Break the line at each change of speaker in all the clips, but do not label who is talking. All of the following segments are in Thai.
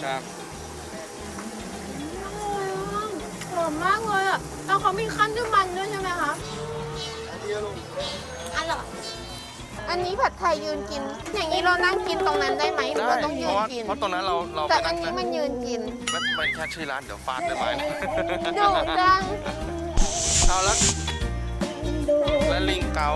ครับ
หอมมากเลยอ่ะแล้วเขามีขั้นด้วยมันด้วยใช่ไหมคะอร่อยอันนี้ผัดไทยยืนกิน อย่างนี้เรานั่งกินตรงนั้นได้ไหมหรือว่าต้องยืนกิน
เพราะตรงนั้นเรา
แต่อันนี้มันยืนกิน
ไม่แค่ชื่อร้านเดี๋ยวฟาดด้วยไม้นะ
ดุจัง
เอาแล้วและลิงเกา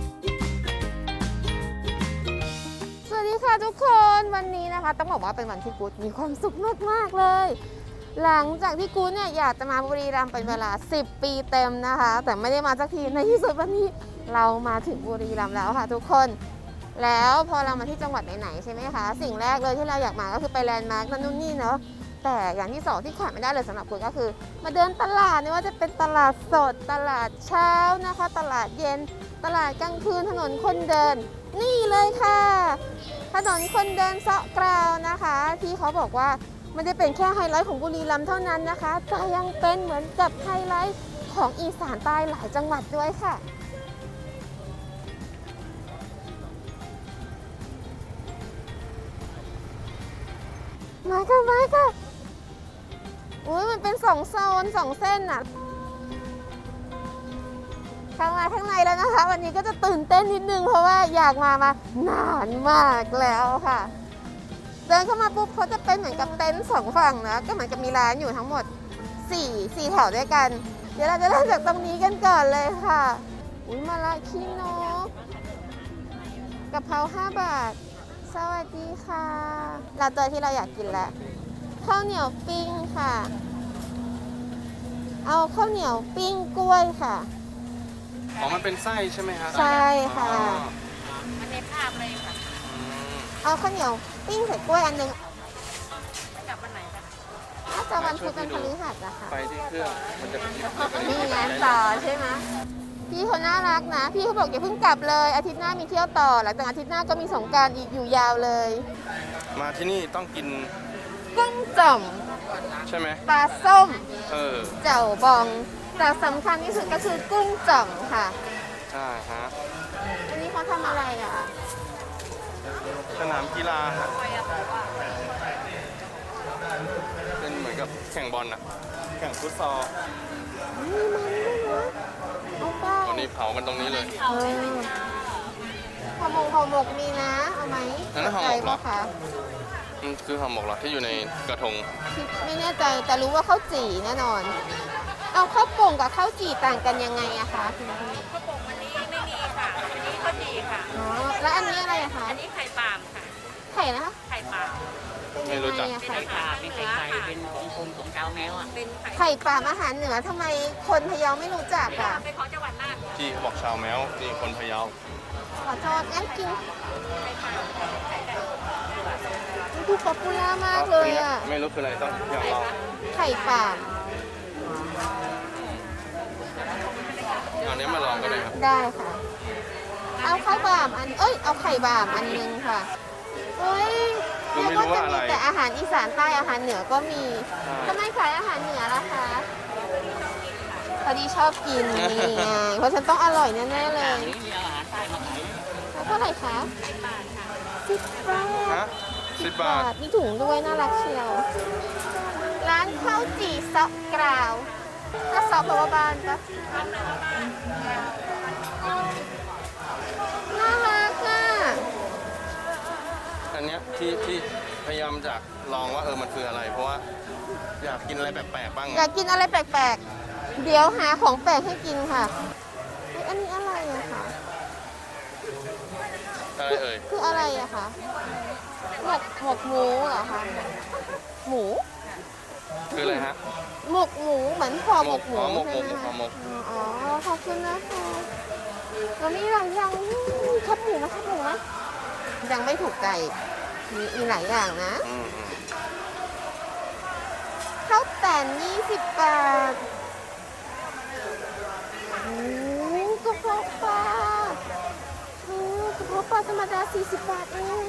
สวัสดีค่ะทุกคนวันนี้นะคะต้องบอกว่าเป็นวันที่กู๊ดมีความสุขมากๆเลย หลังจากที่กู๊ดเนี่ยอยากจะมาบุรีรัมย์เป็นเวลา10 ปีเต็มนะคะ แต่ไม่ได้มาสักทีในที่สุดวันนี้เรามาถึงบุรีรัมย์แล้วค่ะทุกคนแล้วพอเรามาที่จังหวัดไหนๆใช่ไหมคะสิ่งแรกเลยที่เราอยากมาก็คือไปแลนด์มาร์กนั่นนู่นนี่เนาะแต่อย่างที่สองที่ขาดไม่ได้เลยสำหรับกู๊ดก็คือมาเดินตลาดไม่ว่าจะเป็นตลาดสดตลาดเช้านะคะตลาดเย็นตลาดกลางคืนถนนคนเดินนี่เลยค่ะถนนคนเดินเซาะกราวนะคะที่เขาบอกว่าไม่ได้เป็นแค่ไฮไลท์ของบุรีรัมย์เท่านั้นนะคะแต่ยังเป็นเหมือนกับไฮไลท์ของอีสานใต้หลายจังหวัดด้วยค่ะมาค่ะอุ้ยมันเป็น2 โซน 2 เส้นน่ะข้างในแล้วนะคะวันนี้ก็จะตื่นเต้นนิดนึงเพราะว่าอยากมานานมากแล้วค่ะเดินเข้ามาปุ๊บเขาจะเป็นเหมือนกับเต็นท์2 ฝั่งนะก็เหมือนกับมีร้านอยู่ทั้งหมด4แถวด้วยกันเดี๋ยวเราจะเริ่มจากตรงนี้กันก่อนเลยค่ะอุ้ยมาละขี้นกกะเพรา5 บาทสวัสดีค่ะเราเจอที่เราอยากกินแล้วข้าวเหนียวปิ้งค่ะเอาข้าวเหนียวปิ้งกล้วยค่ะ
อ๋อมันเป็นไส้ใช่ไหมครับ
ใช่ค่ะ
มันในภาพเลยค่ะ
เอาข้าวเหนียวปิ้งใส่กล้วยอันนึง
กลับวันไหนคะ
น่าจะวันพุธวันพฤหัสนะคะ
ไปที่เครื่องมันจะ
มีงานต่อใช่ไหมพี่เขาน่ารักนะพี่เขาบอกอย่าเพิ่งกลับเลยอาทิตย์หน้ามีเที่ยวต่อหลังจากอาทิตย์หน้าก็มีสงกรานต์อีกอยู่ยาวเลย
มาที่นี่ต้องกิน
กุ้งจ่อม
ใช่ไหม
ปลาส้ม
เ
เจ่วบองแต่สำคัญที่สุดก็คือกุ้งจ่อมค่ะ
ใช่ฮะ
อันนี้เขาทำอะไรอ่ะ
สนามกีฬาฮะเป็นเหมือนกับแข่งบอลนะแข่งฟุตซอล
นี่มันด้วยนะเอาเปล่า
ตอนนี้เผากันตรงนี้เลย
ห่อหมกมีนะ เอาไหม
นั่นห่อหมกเหรอ
สนใจปะคะ
มันคือห่อหมกเหรอที่อยู่ในกระทง
ไม่แน่ใจแต่รู้ว่าข้าวจี่แน่นอน เอาข้าวโป่งกับข้าวจี่ต่างกันยังไงอะคะคุณพี่
ข้าวโป่งวันนี้ไม่มีค่ะอันนี้ข้าวจี่ค่ะ
อ๋อแล้วอันนี้อะไรอะคะ
อันนี้ไข่ปาล์มค่ะ
ไข่นะคะ
ไข่ปาล์ม
เป็น
ไม่
ยัง
รู้จัก
ไงอะ
เป็น
ไข่
ไข่ปาล์มเป็นไข่ไก่เป็นกลมๆของเจ้าแมวอ่ะเป็นไข่
ไข่ปลาอาหารเหนือทำไมคนพะเยาไม่รู้จักอะ
เป็นของจังหวัดน่าน
ที่เขาบอกชาวแมวนี่คนพะเยา
ขอโทษงั้นกิน
ไข่ปาล์มไข่ไก่
มันดูป๊อปปูล่ามากเลยอะ
ไม่รู้คืออะไรต้องอยากลอง
ไข่ปลา
เอาเนี้ยมาลองกันเลยครับ
ได้ค่ะ เอาข้าวบามอันเอาไข่บามอันนึงค่ะเฮ้ย
คือไม่รู้ว่าอะไร
แต่อาหารอีสานใต้อาหารเหนือก็มีทำไมขายอาหารเหนือล่ะคะพอดีชอบกินนี่ไงเพราะฉันต้องอร่อยแน่ๆเลย
นี่มีอาหารใต้มาขาย
แล้วเท่าไหร่คะ10 บาท
ฮะ10 บาท
มีถุงด้วยน่ารักเชียว ร้านข้าวจี่ซอกกราวก็ซอกแปลว่าบ้านปะน่ารักอ่ะ
อันเนี้ยที่พยายามจะลองว่ามันคืออะไร เพราะว่าอยากกินอะไรแปลกๆบ้าง
อยากกินอะไรแปลกๆ เดี๋ยวหาของแปลกให้กินค่ะเฮ้ยอันนี้อะไรอะคะ
อะไรเอ่ย
คืออะไรอะคะหมกหมูเหรอคะ หมู
คืออะไรฮะ
หมกหมูเหมือนห่อหมกหมู
หมก
ใช่ไหม
ห่อ
คะ
หมก
อ๋อขอบคุณนะคะแล้วมีหลายอย่างแคบหมูไหมแคบหมูไหมยังไม่ถูกใจมีหลายอย่างนะ ข้าวแต่น20 บาทโอ้กระเพาะปลากระเพาะปลาธรรมดา40 บาทเอง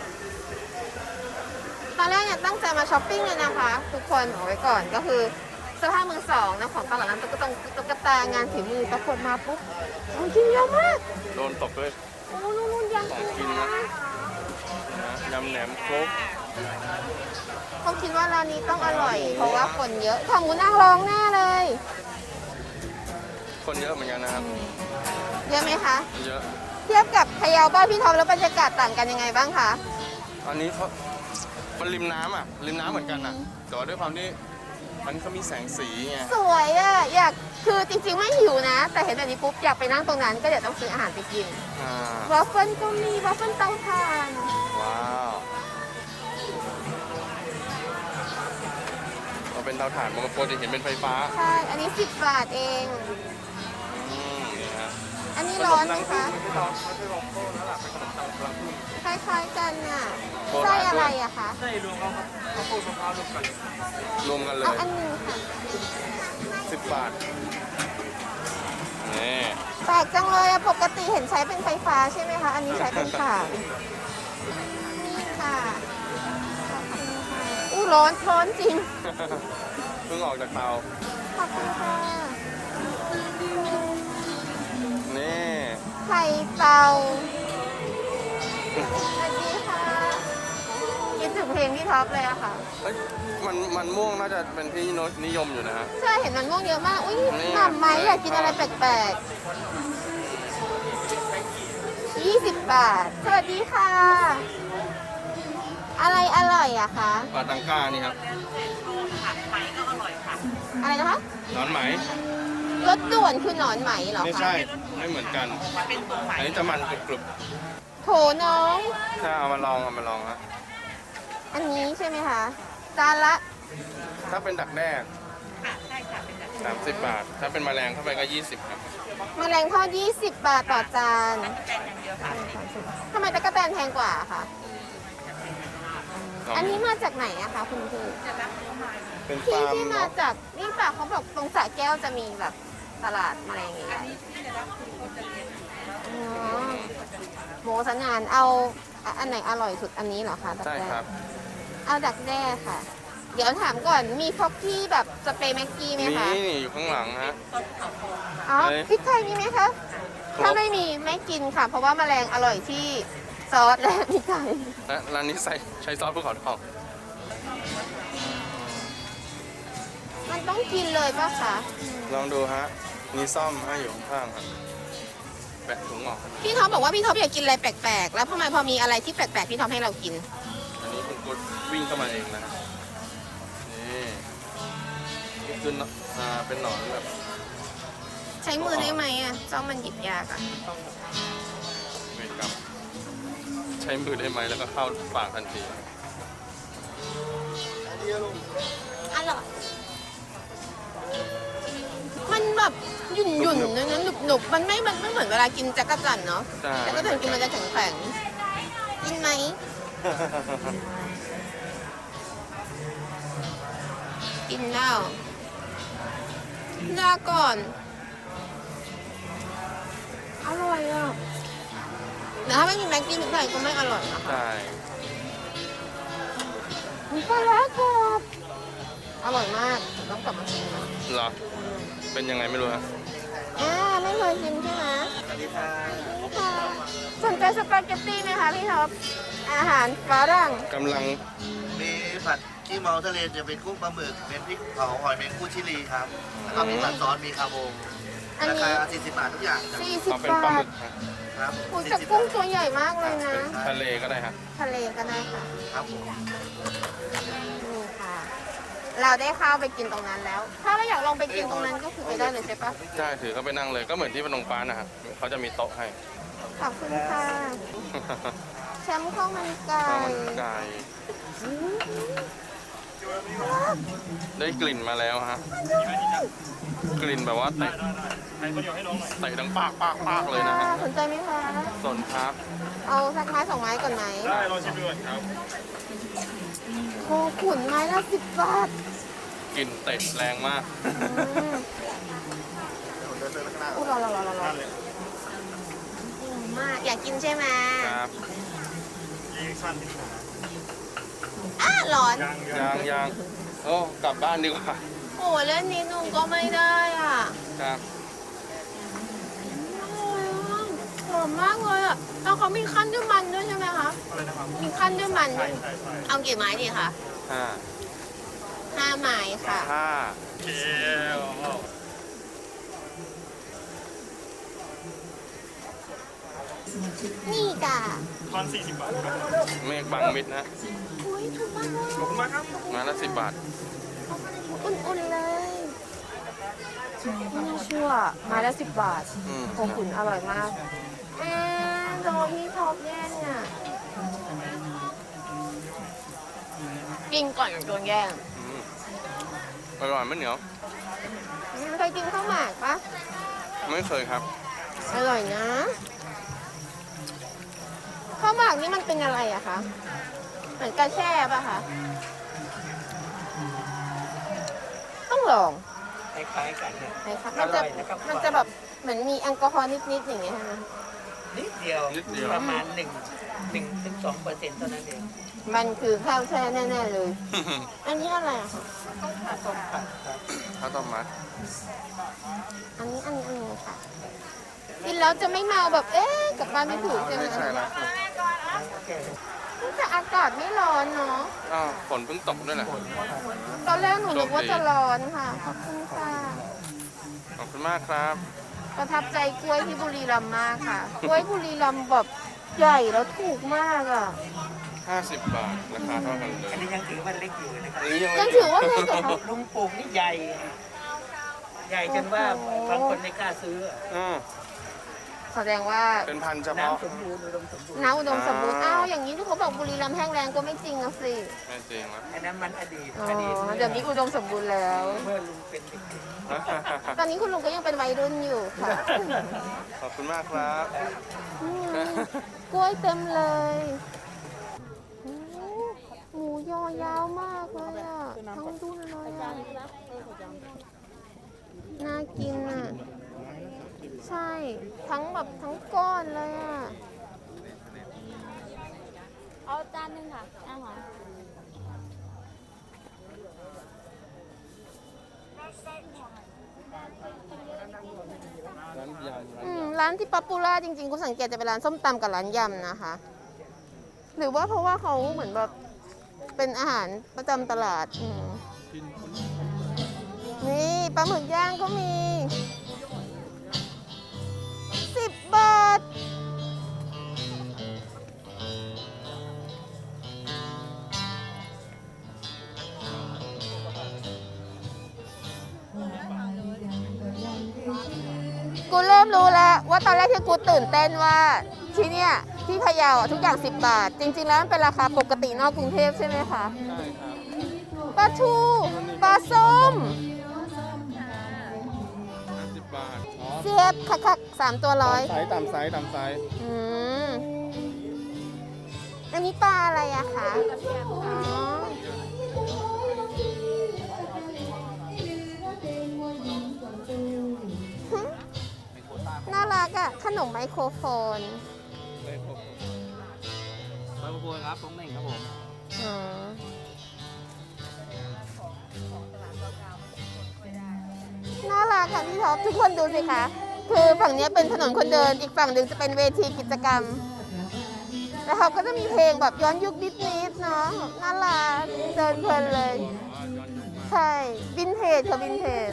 ตอนแรกเนี่ยตั้งใจมาช้อปปิ้งเลยนะคะ ทุกคนเอาไว้ก่อนก็คือเสื้อผ้ามือสองนะของตลาดนั้นตุ๊กตางานฝีมือปรากฏมาปุ๊บของกินเยอะมาก
โดนตบด้วย
โอ้นู่นยัง
ของกินนะ
น
ยำแหนมครก
เขาคิดว่าร้านนี้ต้องอร่อย เพราะว่าคนเยอะขาหมูนางรองแน่เลย
คนเยอะเหมือนกันนะครับ
เยอะไหมคะ
เยอะ
เทียบกับพะเยาบ้านพี่ท็อปแล้วบรรยากาศต่างกันยังไงบ้างคะ
อันนี้เขามันริมน้ำอ่ะ ริมน้ำเหมือนกันอ่ะแต่ว่าด้วยความที่มันเขามีแสงสีไง
สวยอ่ะ อยากคือจริงๆไม่หิวนะ แต่เห็นแบบนี้ปุ๊บอยากไปนั่งตรงนั้นก็เดี๋ยวต้องซื้ออาหารไปกิน
อ่าว
อฟเฟิลก็มีวอฟเฟิลเตาถ่าน
ว้าวเราเป็นเตาถ่านปกติเห็นเป็นไฟฟ้า
ใช่ อันนี้10 บาทเอง
นี่ฮะ
อันนี้ร้อนไหมคะ
ไม่ใช่ร้อนไม่ใช่ร้อนโค้งแล้วล่ะเป็นขนมตังรังพึ่ง
คล้ายๆกันน่ะ
โบราณด้วย
ไส้อะไรอะคะ
ใช่รวมเอาครับข้าวโพดมะพร้าวรวมกันเล
เอา
ย
อันหนึงค่ะ
10 บาท นี่
แปลกจังเลยอะปกติเห็นใช้เป็นไฟฟ้าใช่ไหมคะ อันนี้ใช้เป็นถ่านนี่ค่ะขอบคุณค่ะอู้ร้อนร้อนจริง
เพิ่งออกจากเตา
ขอบคุณค่ะ
นี่
ไข่เตาสวัสดีค่ะคิดถึงเพลงพี่ท็อปเลยอะค่ะ
เอ้ยมันม่วงน่าจะเป็นที่นิยมอยู่นะฮะ
ใช่เห็นมันม่วงเยอะมาก อุ้ย
นี่
หม่ำไหมอยากกินอะไรแปลกๆ20 บาท สวัสดีค่ะ อะไรอร่อยอะคะ
ปลาตังก้านี่ครับ
ผักไหมก็อร่อยค่ะ
อะไรนะคะ
หนอนไหม
รสด่วนคือหนอนไหมเหรอ
ไม่
คะ
ใช่ ไม่เหมือนกัน
เป็นตัวไหม
อันนี้จะมันกรุบ
โถน้อง
ๆถ้าเอามาลองฮะ
อันนี้ใช่ไหมคะจานละ
ถ้าเป็นดักแด้
ค่ะใช่ค่ะเป็นแบบ
30 บาท ถ้าเป็นแมลงเข้าไปก็ 20 ครับ
แมลงทอด20 บาทต่อจาน
แกนอย่างเดียวค่ะ
ทำไมตะกะแตนแพงกว่าคะ อันนี้มาจากไหนอะคะคุณพี่
จะรับตัวใหม่
เป็น
ที่
ฟาร์ม
ที่มา
เนาะ
จากนี่ป่ะเขาบอกตรงสระแก้วจะมีแบบตลาดแมลงอย่างเงี้ย
ที่จะรับคือคนจะเลี้ยง
อ๋อหมูสันงานเอาอันไหนอร่อยสุดอันนี้เหรอคะดัก
ใช่
แด้
ครับ
เอาดักแด้ค่ะ เดี๋ยวถามก่อนมีฟอกกี้แบบสเปรย์แม็กกี้ไหม
นี่
คะ
อยู่ข้างหลังฮะ
ต้นเขาโพ
อ๋อ
เอ้ย
พริกไทยมีไหมคะ
ครบ
ถ้าไม่มีไม่กินค่ะ เพราะว่าแมลงอร่อยที่ซอสและพริกไทย
และร้านนี้ใช้ซอสภูเขาทอง
มันต้องกินเลยป่ะคะ
ลองดูฮะ มีซ่อมให้อยู่ข้างๆครับแปะถุงออก
พี่ท็อปบอกว่าพี่ท็อปอยากกินอะไรแปลกๆ แล้วทำไมพอมีอะไรที่แปลกๆพี่ท็อปให้เรากิน
อันนี้คุณกุดวิ่งเข้ามาเองนะฮะนี่นี่คือเป็นหนอนแบบ
ใช้มือได้ไหมอ่ะจ้องมันหยิบยากอ่ะ
เวรกรรมใช้มือได้ไหมแล้วก็เข้าปากทันที
อร่อยมันแบบหยุ่นๆนะหนุบๆมันไม่เหมือนเวลากินจักรจั่นเนาะ
ใช่
จักรจั่นกินมันจะแข็งๆกินไหมกินแล้วลาก่อน อร่อยอ่ะแต่ถ้าไม่มีแม็กกี้พริกไทยก็ไม่อร่อยนะคะ
ใช่
มีปลาร้ากรอบอร่อยมากต้องกลับมากินนะ
เหรอ เป็นยังไงไม่รู้ฮะ
ไม่เคยกินใช่ไหม
สวัสดีค่ะ
นี่ค่ะสนใจสปาเกตตี้ไหมคะพี่ท็อปอาหารฝรั่ง
กำลัง
มีผัดขี้เมาทะเลจะเป็นกุ้งปลาหมึก เป็นพริกเผาหอยแมงคู่ชิลีครับ แล้วก็มีผัดซอส มีคาโบ
อัน
รา
นี้
คา 40 บาททุกอย่างครับ
40
เอาเป็นปลา
บา
หมึ
ท
กฮะ
ครับ
โอ้แต่กุ้งตัวใหญ่มากเลยนะ
เป็นทะเลก็ได้ฮะ
ทะเลก็ได้ค่ะ
ครับผม
นี่ค่ะ เราได้ข้าวไปกินตรงนั้นแล้ว ถ้าเราอยากลองไปกินตรงนั้นก็คือไปได้เลยใช่ปะ
ใช่ถือเขาไปนั่งเลยก็เหมือนที่พนมปานนะฮะเขาจะมีโต๊ะให้
ขอบคุณค่ะ แชมป์ข้าวมันไก่
ข้าวมันไก่ได้กลิ่นมาแล้วฮะ กลิ่นแบบว่าเตะดังปากเลยนะฮะ
สนใจไหมคะ
สนครับ
เอาสักไม้2 ไม้ก่อนไหม
ได้ลองชิมดูก่อนครับ
โคขุนไม้ละ10 บาท
กลิ่นเตะแรงมาก
อู้รอมาก อยากกินใช่ไหม
ครับ
ร้อน
ยังโอ้กลับบ้านดีกว่า
โอ้เล่นนิดนึงก็ไม่ได้อ่ะ
ครับ
อร่อยมากหอมมากเลยอ่ะแล้วเขามีขั้นด้วยมันด้วยใช่ไหมคะ
อะไรนะครับ
มีขั้นด้วยมัน
ใช่
ด้วย
ใช่ใช่
เอากี่ไม้ดีคะ
ห้า
5 ไม้ค่ะ
ห้าเกล
นี่จ้ะ
ทอน40 บาทครับเมฆบางมิดนะ
อุ้ยถูกมากเลย
ขอบคุณมากครับมาละ10 บาท
อุ่นๆเลยไม่น่าเชื่อไม้ละ10 บาท
อืม
โคขุนอร่อยมากโดที่ท็อปแย่งอ่ะกินก่อนโดนแย่ง
อืมอร่อยไม่เหนียว
เคยกินข้าวหมากปะ
ไม่เคยครับ
อร่อยนะข้าวหมากนี่มันเป็นอะไรอะคะเหมือนกระแช่ปะคะต้องลอง
คล้ายๆกันนะ
ไหมคะ
อร่อยนะครับ
มันจะแบบเหมือนมีแอลกอฮอล์นิดๆอย่างเงี้ยใช่ไหม
นิดเดียว
นิดเดียว
ประมาณ1 ถึง 2% เท่านั้นเอง
มันคือข้าวแช่แน่ๆเลย อันนี้อะไรอะคะ
ต้มผัดครับ
ข้าวต้มมัด
อันนี้ค่ะกินแล้วจะไม่เมาแบบกลับบ้านไม่ถูกใช่ไหม
ไม่ใช่ละ
แต่อากาศไม่ร้อนเนาะ
อ้าวฝนเพิ่งตกด้วยแหละ
ตอนแรกหนูนึกว่าจะร้อนค่ะขอบคุณค่ะ
ขอบคุณมากครับ
ประทับใจกล้วยที่บุรีรัมย์มากค่ะ กล้วยบุรีรัมย์แบบใหญ่แล้วถูกมากอ่ะ
50 บาท ราคาเท่ากันเลย
อันนี้ยังถือว่าเล็กอยู่นะครับ
อันนี้ยัง
ยั
ไม่
งถือว่าเล็กเหรอคะ
ลุงปลูกนี่ใหญ่ ใหญ่จนว่าบางคนไม่กล้าซื้อ
อืม
แสดงว่า
เป็นพันธุ์เฉพาะ
น้ำสมบูรณ์อุดมสมบูรณ์
น้ำอุดมสมบูรณ์อ้าวอย่างนี้ที่เขาบอกบุรีรัมย์แห้งแล้งก็ไม่จริงอะสิ
ไม่จริงนะ
อันนั้นมันอดีต
อ๋อ
อดีต
เดี๋ยวนี้อุดมสมบูรณ์แล้ว
เมื่อลุงเป็นเด็ก
ตอนนี้คุณลุงก็ยังเป็นวัยรุ่นอยู่ค่ะ
ขอบคุณมากครับ
อืมกล้วยเต็มเลยอืมหมูยอยาวมากเลยอ่ะ ทั้งดุนเลยอ่ะ น่ากินอ่ะ ใช่ ทั้งแบบทั้งก้อนเลยอ่ะ
เอาจานหนึ่งค่ะอาหาร
ร้านที่ป๊อปปูล่าจริงๆคุณสังเกตจะเป็นร้านส้มตำกับร้านยำนะคะ หรือว่าเพราะว่าเขาเหมือนแบบเป็นอาหารประจำตลาดนี่ปลาหมึกย่างก็มี 10 บาท กูเริ่มรู้แล้วว่าตอนแรกที่กูตื่นเต้นว่าที่เนี่ยที่พะเยาทุกอย่าง 10 บาท จริง ๆ แล้วมันเป็นราคาปกตินอกกรุงเทพใช่ไหมคะ
ใช่ครับ
ปลาทูปลาส้ม
50 บาท อ๋อ
เสียบคักๆ3 ตัวร้อย
ไซส์ตามไซส์ตามไซส์
อืมอันนี้ปลาอะไรอะคะอ๋อหึน่ารักอะขนมไมโครโฟน
ไมโครโฟนครับผมเองครับผม
อ๋อน่ารักค่ะพี่ท็อปทุกคนดูสิคะ คือฝั่งนี้เป็นถนนคนเดิน อีกฝั่งหนึ่งจะเป็นเวทีกิจกรรม แล้วเขาก็จะมีเพลงแบบย้อนยุคนิดๆเนาะน่ารักเดินเพลินเลย ใช่ วินเทจค่ะวินเทจ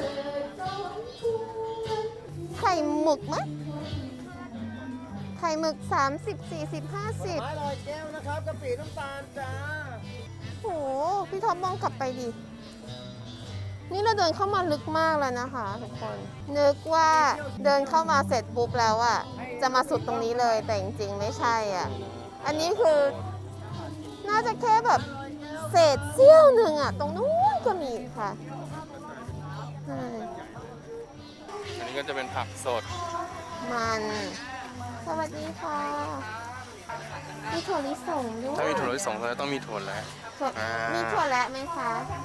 ไข่หมึกมั้ยไข่หมึก 30 40 50
100แก้วนะครับกะปิน้ำตาลจ้า
โห พี่ท็อปมองกลับไปดิ นี่เราเดินเข้ามาลึกมากแล้วนะคะทุกคน นึกว่าเดินเข้ามาเสร็จปุ๊บแล้วอะจะมาสุดตรงนี้เลย แต่จริงๆไม่ใช่อ่ะ อันนี้คือน่าจะแค่แบบเศษเสี้ยวหนึ่งอะตรงนู้นก็มีค่ะใช่
อันนี้ก็จะเป็นผักสด
มัน สวัสดีค่ะ มีถั่วลิสงด้วย
ถ้ามีถั่วลิสงเราต้องมีถั่วแล้ว
ถั่ว
อ่ามี
มีถั่วและไหมคะ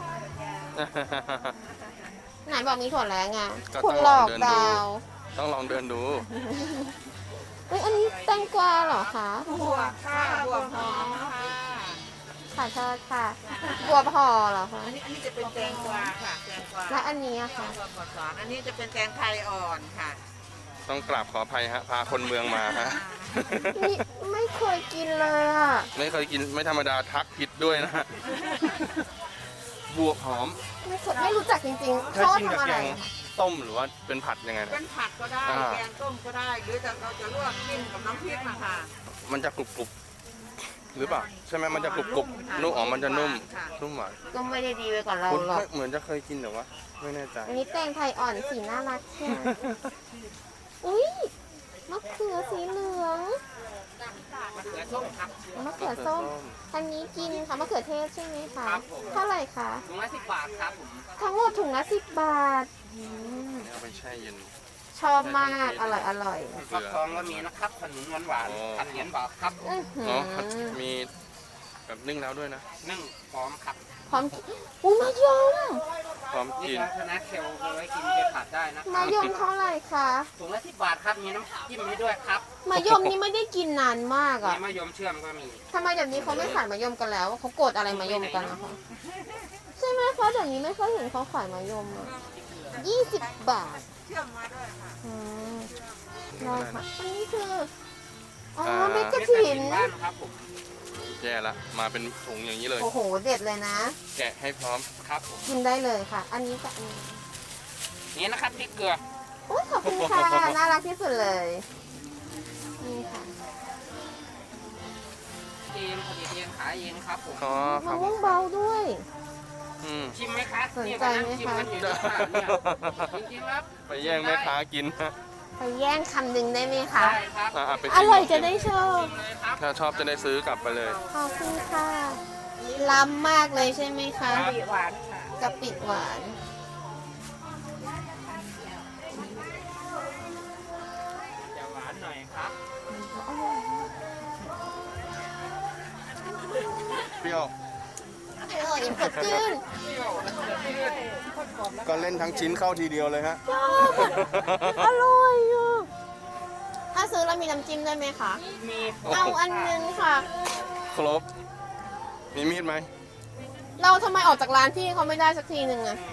ไหนบอกมีถั่วแล้วไง
ก็
คุ
ต้
ณ
อง
หล
ลอ
อง ก
เดิน
ด
ดู
าว
ต้องลองเดินดู
เอ้ยอันนี้แตงกวาเหรอคะ
บวกค่ะบวกหอมค่ะ
ขอโทษค่ะบัวพอเหรอคะ
อันนี้จะเป็นแตงกวาค่ะแตงกวา
และอันนี้อะค่ะ
แตงกวาบดสอนอันนี้จะเป็นแตงไทยอ่อนค่ะ
ต้องกราบขออภัยฮะ พาคนเมืองมาฮะ
นี่ไม่เคยกินเลยอ่ะ
ไม่เคยกินไม่ธรรมดาทักผิดด้วยนะฮะ บวบหอม
ไม่รู้จักจริงๆ
ถ้า
เขา
กินกับ
ทำอะ
แก
ไรง
ต้มหรือว่าเป็นผัดยังไงนะ
เป็นผัดก็ได้
อ่า
แกงต้มก็ได้ หรือจะเราจะลวกกินกับน้ำพริกนะคะ
มันจะกรุบกรุบหรือเปล่าใช่ไหมมันจะกรุบกรุบนุ่มอ๋อมันจะนุ่มนุ่มหวาน
ก็ไม่ได้ดีไปก่อนเรา
คุณ
หรอก
เหมือนจะเคยกินแต่ว่าไม่แน่ใจ
อันนี้แตงไทยอ่อนสีน่ารักใช่ไหมอุ้ยมะเขือสีเหลือง
มะเขือส้มครับ
มะเขือส้ม อันนี้กินค่ะมะเขือเทศใช่ไหมคะ
ครับผม
เท่าไหร่คะ
ถุงละ10 บาทครับผม
ทั้งหมดถุงละ10 บาทอืม
เอาไปแช่เย็น
ชอบมากอร่อยอร่อย
ฟักทองก็มีนะครับขนมหวาน
อ๋อ
ๆผัดเหรียญบาทครับ
อื้อหือ
เนาะมีแบบนึ่งแล้วด้วยนะ
นึ่งพร้อมครับ
พร้อมกินอุ้ยมะยม
พร้อม
นี่
กิน
ก็ชนะเคลเอาไว้กินเป็นผัดได้นะ
มะยมเท่าไหร่คะ
ถุงละ10 บาทครับมีน้ำจิ้มให้ด้วยครับ
มะยมนี่ไม่ได้กินนานมาก
มี
อ่ะ
มะยมเชื่อมก็มี
ทำไมเดี๋ยวนี้เขาไม่ขายมะยมกันแล้วเขาโกรธอะไรมะยมกันนะคะใช่ไหมคะเดี๋ยวนี้ไม่ค่อยเห็นเขาขายมะยมอ่ะ20 บาท
เชื่อมมาด้วยค่ะ
อืมได้ค่ะ อันนี้คือ อ๋อ
อ่า
เม็ดกระ
เม็ด
ถิน
บ้านครับผม
แย่ละมาเป็นถุงอย่างนี้เลย
โอ้โห เด็ดเลยนะ
แกะให้พร้อม
ครับผม
กินได้เลยค่ะ อันนี้กับอันนี้
นี่นะครับพริกเกลือ
โอ้ยขอบคุณค่ะ น่ารักที่สุดเลย นี่ค่ะ
เองผลิตเองขายเองครับผม
อ๋อค
มะ
รับ
ม่วงเบาด้วย
อืม
ชิมไหมครับ
สน
เนี่ย
ใจ
กำลัง
ไหม
ชิม
คะ
กันอยู่ที่บ้านเนี่ยจริงๆแล้ว
ไปแย่งแม่ค้ากินฮะ
ไปแย่งคำหนึ่งได้ไหมคะ
ได้ครับ
อ่ะไป
อ
ชิม
ร่อยจะได้ชอบ
ชิมเลยครับ
ถ้าชอบจะได้ซื้อกลับไปเลย
ขอบคุณค่ะ ล้ำมากเลยใช่ไหมคะ
ปีหวานค่ะ
กะปิหวาน
จะหวานหน่อยครับ
เปรี้ยว
อร่อยสดชื่น
ก็เล่นทั้งชิ้นเข้าทีเดียวเลยฮะ
ชอบอร่อยอ่ะถ้าซื้อแล้วมีน้ำจิ้มได้ไหมคะ
มี
เอาอันนึงค่ะ
ครบ มีมีดไหม
เราทำไมออกจากร้านพี่เขาไม่ได้สักทีหนึ่งอะ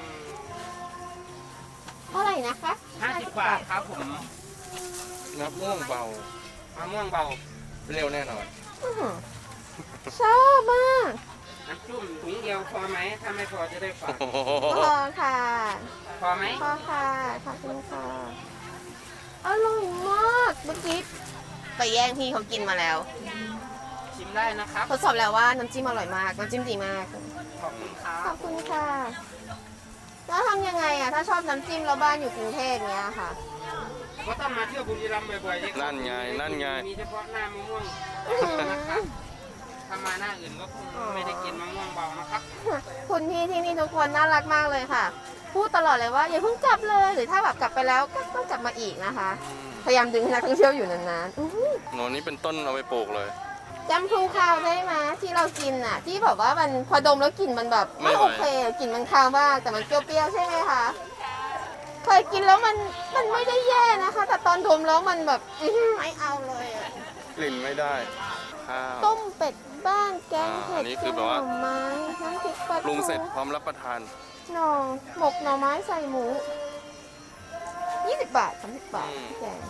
เท่าไหร่นะคะ
50 บาทครับผม
น้ำม่วงเบาม
ะม่วงเบา
เร็วแน่นอน
อื้อหือชอบมาก
น้ำจุ่มถุงเดียวพอไหม ถ้าไม่พอจะได้ฝาก
โอ้โห
พอค่ะ
พอไหม
พอค่ะ ขอบคุณค่ะ อร่อยมาก เมื่อกี้ไปแย่งพี่เขากินมาแล้ว
ชิมได้นะครับ
ทดสอบแล้วว่าน้ำจิ้มอร่อยมาก น้ำจิ้มดีมาก
ขอบคุณครั
ข
บ
อบคุณค่ะ แล้วทำยังไงอะถ้าชอบน้ำจิ้มแล้วบ้านอยู่กรุงเทพเนี้ยค่ะ
ก็ต้องมาเที่ยวบุรีรัมย์บ่อยๆเลยครับ
นั่นไง นั่นไง
มีเฉพาะหน้ามะม่วง
อื้อหือ
นะครับถ้ามาหน้าอื่นก็คงไม่ได้กินมะม่วงเบานะครับ
คุณพี่ที่นี่ทุกคนน่ารักมากเลยค่ะ พูดตลอดเลยว่าอย่าเพิ่งกลับเลย หรือถ้าแบบกลับไปแล้วก็ต้องกลับมาอีกนะคะ พยายามดึงให้นักท่องเที่ยวอยู่นานๆอื้อหือ
โน่นนี้เป็นต้นเอาไปปลูกเลย
จำพลูคาวได้ไหมที่เรากินอ่ะ ที่แบบว่ามันพอดมแล้วกลิ่นมันแบบไม่
ไม่ไหว
โอเคกลิ่นมันคาวมากแต่มันเปรี้ยวๆใช่ไหมคะเคยกินแล้วมันไม่ได้แย่นะคะ แต่ตอนดมแล้วมันแบบอื้อหือไม่เอาเลยอะ
กลิ่นไม่ได้ ข้าว
ต้มเป็ดบ้านแกง
อั
เห็
น
ด
นี้
แก
คือง แบบ
หน่
ว่า
อไม้น้ำพริกปลา
ปรุง
ทู
เสร็จพร้อมรับประทาน
หน่อหมกหน่อไม้ใส่หมู20 บาท30 บาท
อืม
พี่แกง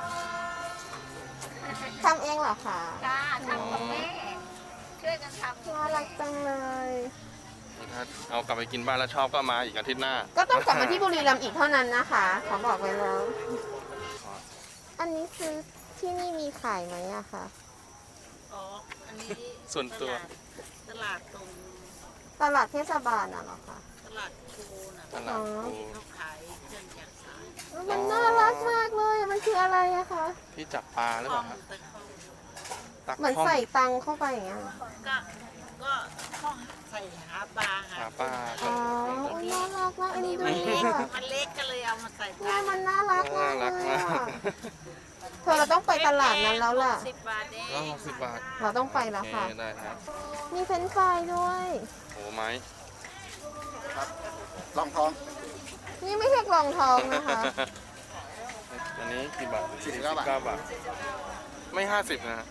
ทำเองเหรอคะ
จ้าทำกับแม่ช่วยกันทำ
น่ารักจังเลย
ถ้าเอากลับไปกินบ้านแล้วชอบก็มาอีกอาทิตย์หน้า
ก็ต้องกลับมาที่บุรีรัมย์อีกเท่านั้นนะคะขอบอกไว้แล้ว อันนี้คือที่นี่มีขายไหมอะคะ
อ๋อ อันนี้
ส่วนตัว
ตลาดตรง
ตลาดเทศบาลน่ะเหรอคะ
ตลาดโคนะ
ตลาดปู
เขาขายเครื่องจักรสาน
มันน่ารักมากเลยอะมันคืออะไรอะคะ
ที่จับปลาหรือเปล่าครับ
แต่เขา
ตัก
เหมือน
ข้อม
ใส่ตังเข้าไปอย่างเงี้ย
ก็ต้องใส่หาปลา
หาปลา
อ๋ออุ๊ยน่ารักมากอันนี้ดู
มันเล็กก็เลยเอามาใส่ป
แม่
ลา
มันน่ารักมา
น่าก
เล
รัก
ย
มาก
อะเธอเราต้องไปตลาดนั้นแล้วล่ะ
10 บาทเอง
แล้ว60 บาท
เราต้องไปแล้ว
โอเค
ค่ะ
ได้ครับ
มีเฟรนช์ฟรายด้วย
โอ้ไม้
ลองท้อง
นี่ไม่ใช่กล่องทองนะคะ
อันนี้กี่บาท
49
บาท ไม่ 50 นะฮะ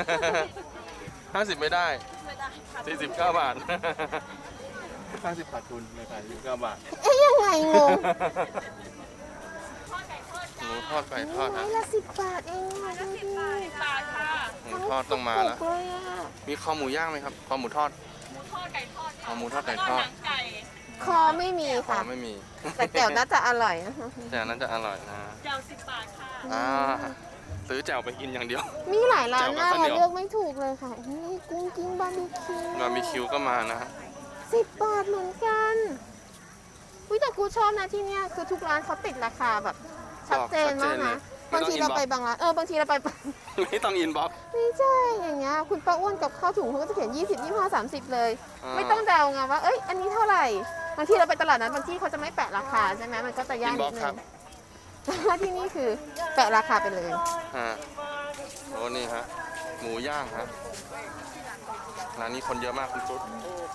50 ไม่ได้ 49 บาท 50 ขาดทุนไม่ขาย49 บาท
เอ๊ยยังไงงง
งมูทอดไก่ทอด
ไม้
ฮะ
ละ10 บาทเองอ่ะดูดิ
หมูทอดต้องมาแล้ว
ถูกเลยอ่ะ
มีคอหมูย่างไหมครับ คอหมูทอด คอหมูทอดไก่ทอด
คอไม่มี
คอ
ค่ะ
ไม่มี
แต่แจ่วน่าจะอร่อยนะคะ
แต่อันนั้นจะอร่อยนะแจ่ว10 บาทค่ะซื้อแจ่วไปกินอย่างเดียว
มีหลายร้านมาก
แจ่วกับข้าวเหนี
เรา
ยว
เลือกไม่ถูกเลยค่ะนี่กุ้งกิ้งบาร์บีคิว
บาร์บีคิวก็มานะฮะ
10 บาทเหมือนกันอุ้ยแต่กูชอบนะที่เนี้ยคือทุกร้านเขาติดราคาแบบชัดเจนมากนะ
ไม่
บาง
ต้อง
ทีเราไป
inbox
บางร้านบางทีเราไป
ไม่ต้องอินบ็อกซ์
ไม่ใช่อย่างเงี้ยคุณป้าอ้วนกับข้าวถุงเขาก็จะเขียน20 25 30 เลย
อ่า
ไม่ต้องเดาไงว่าเอ้ยอันนี้เท่าไหร่บางทีเราไปตลาดนั้นบางที่เขาจะไม่แปะราคาใช่ไหมมันก็จะยากนิดนึงแต่ว่าที่นี่คือแปะราคาไปเลย
ฮะโอ้นี่ฮะ หมูย่างฮะ ร้านนี้คนเยอะมากคุณตุ๊ด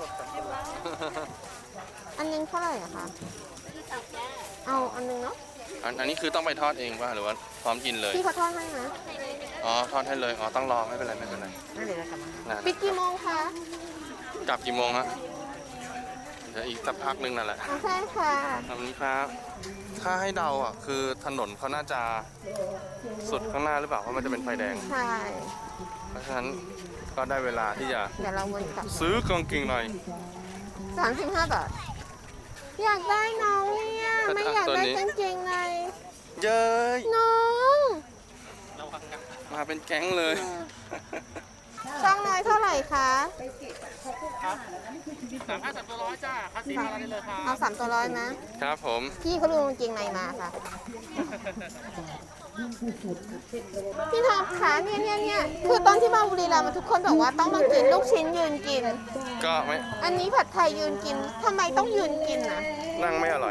อันนึงเท่าไหร่อะคะเอาอันนึงเนาะ
อันนี้คือต้องไปทอดเองป่ะหรือว่าพร้อมกินเลย
พี่เขาทอดให้นะ
อ๋อ ทอดให้เลย อ๋อ ต้องรอไม่เป็นไรไม่เป็นไร
นั่นเลยนะครับ
นะ
ปิดกี่โมงคะ
กลับกี่โมงฮะเดี๋ยวอีกสักพักนึงนั่นแหละ
อ๋อใช่ค่ะ
ขอบคุณครับ ถ้าให้เดาอ่ะ คือถนนเขาน่าจะสุดข้างหน้าหรือเปล่า เพราะมันจะเป็นไฟแดง
ใช่
เพราะฉะนั้นก็ได้เวลาที่จะ
เดี๋ยวเราวนกลับ
ซื้อกางเกงใน
35 บาท อยากได้น้องเนี่ยไม่อยากได้กางเกงใน
เย้ย
น้อง
มาเป็นแก๊งเลย
ช่องน้อยเท่าไหร่คะ
3,300จ้าค่าสีมาได้เลยครับ
เอา3 ตัวร้อยนะครับ
ผม
พี่เขาดูกางเกงในมาค่ะ พี่ท็อปคะเนี่ยคือตอนที่มาบุรีรัมย์ทุกคนบอกว่าต้องมากินลูกชิ้นยืนกิน
ก็ไม่
อันนี้ผัดไทยยืนกินทำไมต้องยืนกินนะ
นั่งไม่อร่อย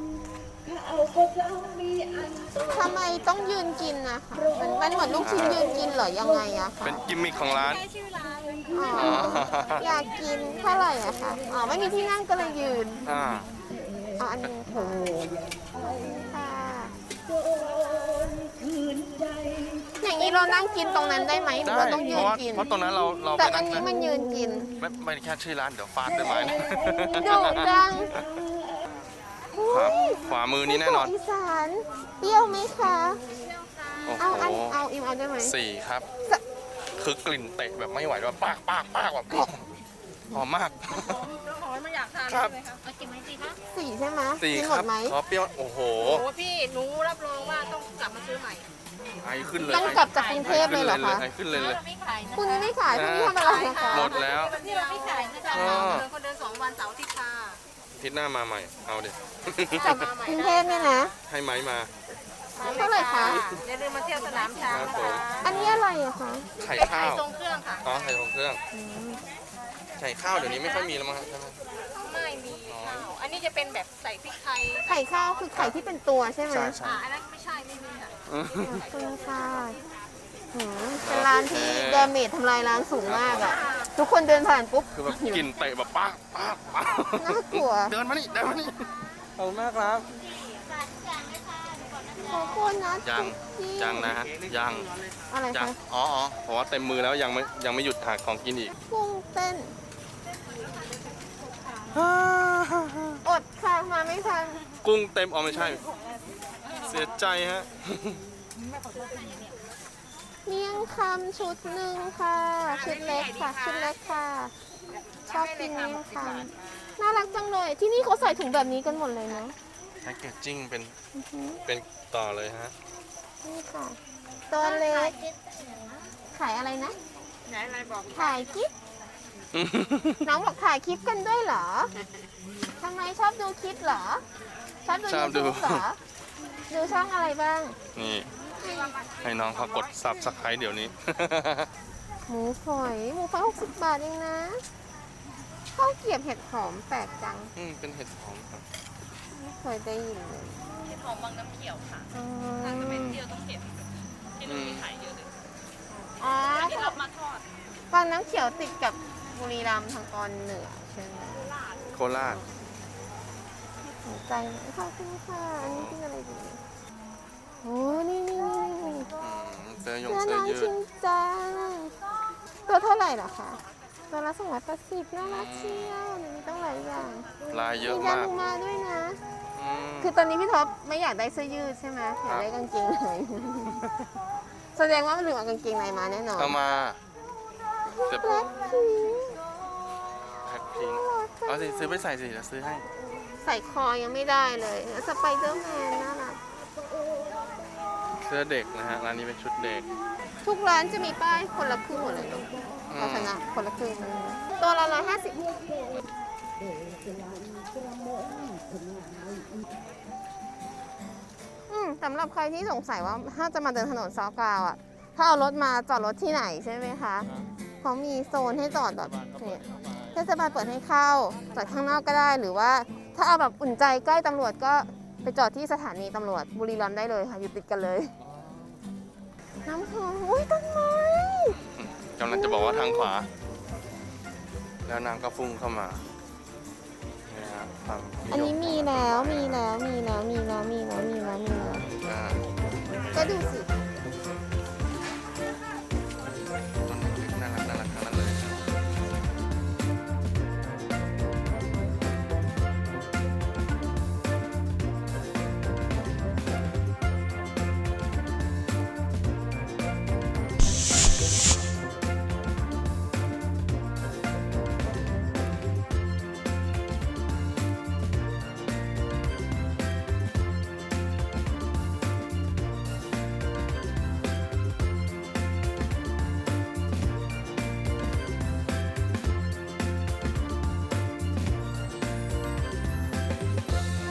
ทำไมต้องยืนกินนะคะมันเหมือนลูกชิ้นยืนกินเหรอยังไงอะคะ
เป็นกิมมิคของร้าน
อ๋ออยากกินเท่าไหร่อะคะอ๋อไม่มีที่นั่งก็เลยยืน
อ่า
เอาอันนี้ค่ะค่ะอย่างนี้เรานั่งกินตรงนั้นได้ไหมหรือ
ได้
เราต้องยื
เพราะ
น
ว่า
กิน
เพราะตรงนั้นเรา
แต่
ไป
อั
นั่
น
ง
นี้มันยืนกิน
ไม่แค่ชื่อร้านเดี๋ยวฟาดด้วยไม้นะ
ดุจัง
ครับขวามือนี้แน่นอน
อีสานเปรี้ยวไหมคะ
โอ้
เอา
โห
เอาอิมเอาได้ไหม
สี่ครับ
สะ
คือกลิ่นเตะแบบไม่ไหวแบบปากแบบหอมมาก
หอยไม่อยากทาน
ครับ
ใช่ไหมคะเอากินไหมสิคะ
สี่ใช่ไหม
สี่
กิน
ค
หม
รับ
ดไหม
ขอเปรี้ยวโอ้โห
โอ้พี่หนูรับรองว่าต้องกลับมาซื้อใหม่
ไอขึ้นเลย
ต้องกลับจากกรุงเทพเลยเหรอคะ
ไอขึ้นเลย
เราไม่ขายนะ
พรุ่งนี้ไม่ขายพรุ่งนี้ทำอะไรนะคะ
หมดแล้ว
วันที่เราไม่ขายนะจ๊ะ
อ๋อ
คนเดิน2 วันเสาร์อาทิตย์ค่ะ
อาทิตย์หน้ามาใหม่ เอาดิ
จากกรุงเทพเนี่ยนะ
ให้ไม้มา
เท่าไหร่คะ
อย่าลืมมาเที่ยวสนามช้าง
ครับ
นะ
ผม
คะ
อันนี้อะไรอะคะ
ไข่
เป็น
ข้า
ไข่
ว
ทรงเครื่องค่ะ
อ๋อ ไข่ของเครื่อง ไข่ข้าวเดี๋ยวนี้ไม่ค่อยมีแล้วมั้งครับใช่ไหม
ไม่มีข้าวอันนี้จะเป็นแบบใส่พริกไทย
ไข่ข้าวคือไข่ที่เป็นตัวใช่ไหม
ใช่ใช่
อันนั้นไม่ใช่ไม่มีค่ะ
ขอบคุณค่ะเป็นร้านที่ดาเมจทำลายร้านสูงมากอะทุกคนเดินผ่านปุ๊บ
คือแบบกลิ่นเตะแบบปาก
น่ากลัว
เดินมานี่ขอบคุณมากครับ
ขอบคุณนะ
ยังนะฮะยัง
อะไร
ยัง
คะ
อ๋อเพราะว่าเต็มมือแล้วยังไม่หยุดหาของกินอีก
กุ้งเต้นอดค่ะมาไม่ทัน
กุ้งเต็มอ๋อไม่ใช่ เสียใจฮะ
เมี่ยงคำชุดหนึ่งค่ะ ชุดเล็กค่ะ ชุดเล็กค่ะ ชอบกินเมี่ยงคำน่ารักจังเลย ที่นี่เขาใส่ถุงแบบนี้กันหมดเลยเนาะ
แพ็กเกจจิ้งเป็น
อือหือ
เป็นต่อเลยฮะ
นี่ค่ะ ตัวเล็ก ขายอะไรนะ
ไหนอะไรบอก
ถ่ายคลิป น้องบอกถ่ายคลิปกันด้วยเหรอ ทำไมชอบดูคลิปเหรอ ชอบดู
ชอบดู
YouTube เหรอ ดูช่องอะไรบ้าง
นี่ให้น้องเขากดซับสไครต์เดี๋ยวนี้
หมูฝอย60 บาทเองนะข้าวเกรียบเห็ดหอมแปลกจัง
เป็นเห็ดหอมครับ
ไม่เคยได้ยินเลย
เห็ดหอมบางน้ำเขียวค่ะ
อ๋อ
ถ้าจะเป็นเที่ยวต้องเห็ดที่นู่นมีขายเยอะเลย
อ๋อ
ที่เรามาทอด
บางน้ำเขียวติดกับบุรีรัมย์ทางตอนเหนือใช่ไหม
โคราช
สนใจไหมขอบคุณค่ะ อันนี้กินอะไรดีโอ้นี่
เสื้อยง
เสื้อ
เสื้อ
น้อง
ยื
ชิ
ด
นจังตัวเท่าไหร่เหรอคะตัวละ280น่ารักเชียวเดี๋ยวนี้ต้องหลายอย่าง
ลายเยอะ
มีดาม
าก
ลูมาด้วยนะ
อืม
คือตอนนี้พี่ท็อปไม่อยากได้เสื้อยืดใช่ไหมอยากได้กางเกงใน แสดงว่ามันลืมเอากางเกงในมาแน่นอน
เอามาแต่
แบล็คพิงค์
แพ็คพิงค์เอาสิซื้อไปใส่สิเดี๋ยวซื้อให้
ใส่คอยังไม่ได้เลยแล้วสไปเดอร์แมนน่ารัก
เสื้อเด็กนะฮะร้านนี้เป็นชุดเด็ก
ทุกร้านจะมีป้ายคนละครึ่งหมดเลยลูก
อืม
ภาชนะคนละครึ่งตัวละ150สำหรับใครที่สงสัยว่าถ้าจะมาเดินถนนซอกาวอ่ะ ถ้าเอารถมาจอดรถที่ไหนใช่ไหมคะ เขามีโซนให้จอดแบบเนี่ยเทศบาลเปิดให้เข้าจอดข้างนอกก็ได้ หรือว่าถ้าเอาแบบอุ่นใจใกล้ตำรวจก็ไปจอดที่สถานีตำรวจบุรีรัมย์ได้เลยค่ะอยู่ติดกันเลย น้ำหอมอุ้ยต้นไม้
กำลังจะบอกว่าทางขวา แล้วนางก็ฟุ้งเข้ามาเนี่ยฮะความนิย
อันนี้มีแล้ว
อ่า
ก็ดูสิ